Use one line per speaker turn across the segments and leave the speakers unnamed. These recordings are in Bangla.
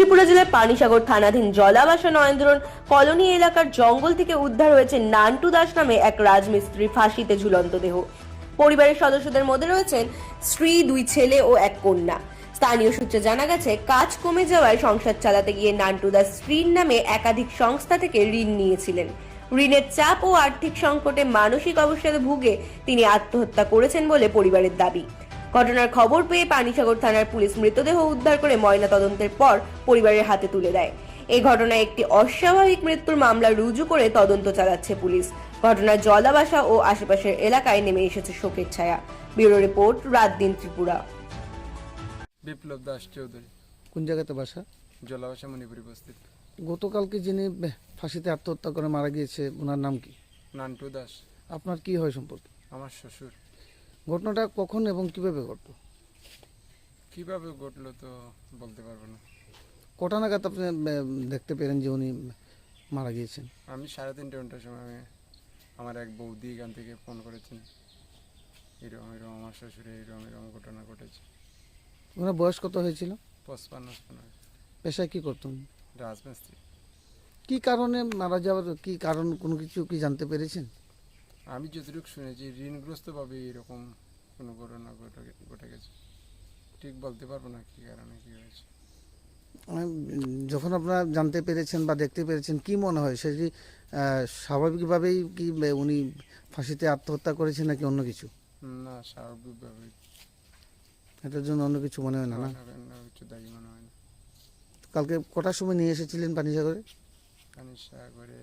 ত্রিপুরা জেলার পানিসাগর থানাধীন জলাবাসা নয়ন্দ্রন কলোনি এলাকার জঙ্গল থেকে উদ্ধার হয়েছে নান্টু দাস নামে এক রাজমিস্ত্রি ফাঁসিতে ঝুলন্ত দেহ। পরিবারের সদস্যদের মধ্যে রয়েছেন স্ত্রী, 2 ছেলে ও 1 কন্যা। স্থানীয় সূত্রে জানা গেছে, কাজ কমে যাওয়ায় সংসার চালাতে গিয়ে নান্টু দাস স্ত্রীর নামে একাধিক সংস্থা থেকে ঋণ নিয়েছিলেন। ঋণের চাপ ও আর্থিক সংকটে মানসিক অবসাদে ভুগে তিনি আত্মহত্যা করেছেন বলে পরিবারের দাবি। ঘটনার খবর পেয়ে পানিসাগর থানার পুলিশ মৃতদেহ উদ্ধার করে ময়না তদন্তের পর পরিবারের হাতে তুলে দেয়। এই ঘটনায় একটি অস্বাভাবিক মৃত্যুর মামলা রুজু করে তদন্ত চালাচ্ছে পুলিশ। ঘটনার জলাবাসা ও আশেপাশের এলাকায় নেমে এসেছে শোকের ছায়া। ব্যুরো রিপোর্ট, রাত দিন ত্রিপুরা।
বিপ্লব দাস চৌধুরী,
কোন জায়গাতে বাসা?
জলাবাসা মণিপুরি বস্তিত।
গতকালকে যিনি ফাঁসিতে আত্মহত্যা করে মারা গিয়েছে, ওনার নাম কি?
নান্টু দাস।
আপনার কি হয় সম্পর্কে?
আমার শ্বশুর।
ঘটনাটা কখন এবং কিভাবে ঘটলো?
কিভাবে ঘটলো তো বলতে পারবো না।
কটা নাগাদ আপনি দেখতে পেলেন যে উনি মারা গিয়েছেন?
আমি 3:30টার সময় আমার এক বৌদি এখান থেকে ফোন করেছেন, এরকম এরকম আমার শ্বশুরে এরকম এরকম ঘটনা ঘটেছে।
ওনার বয়স কত হয়েছিল?
55।
পেশায় কি করতেন?
রাজমিস্ত্রি।
কি কারণে মারা যাওয়ার কি কারণ, কোনো কিছু কি জানতে পেরেছেন?
আমি যতটুকু শুনেছি ঋণগ্রস্তভাবে এরকম কোনো ঘটনা ঘটে গেছে। ঠিক বলতে পারবো না কি কারণে কি হয়েছে।
যখন আপনারা জানতে পেরেছেন বা দেখতে পেরেছেন, কি মনে হয় সেটি স্বাভাবিকভাবেই কি উনি ফাঁসিতে আত্মহত্যা করেছেন নাকি অন্য কিছু?
না, স্বাভাবিকভাবে।
এটার জন্য অন্য কিছু মনে হয় না? না,
কিছু দায়ী মনে হয় না।
কালকে কটার সময় নিয়ে এসেছিলেন পানিসাগরে?
পানিসাগরে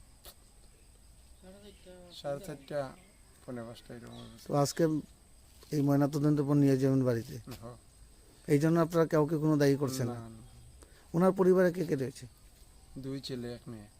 4:30, 4:45 এরকম।
তো আজকে এই ময়নাতদন্তের পর নিয়ে যাবেন বাড়িতে, এই জন্য আপনারা কাউকে কোনো দায়ী করছেন না?
না,
ওনার পরিবারে কে কে রয়েছে?
2 ছেলে 1 মেয়ে।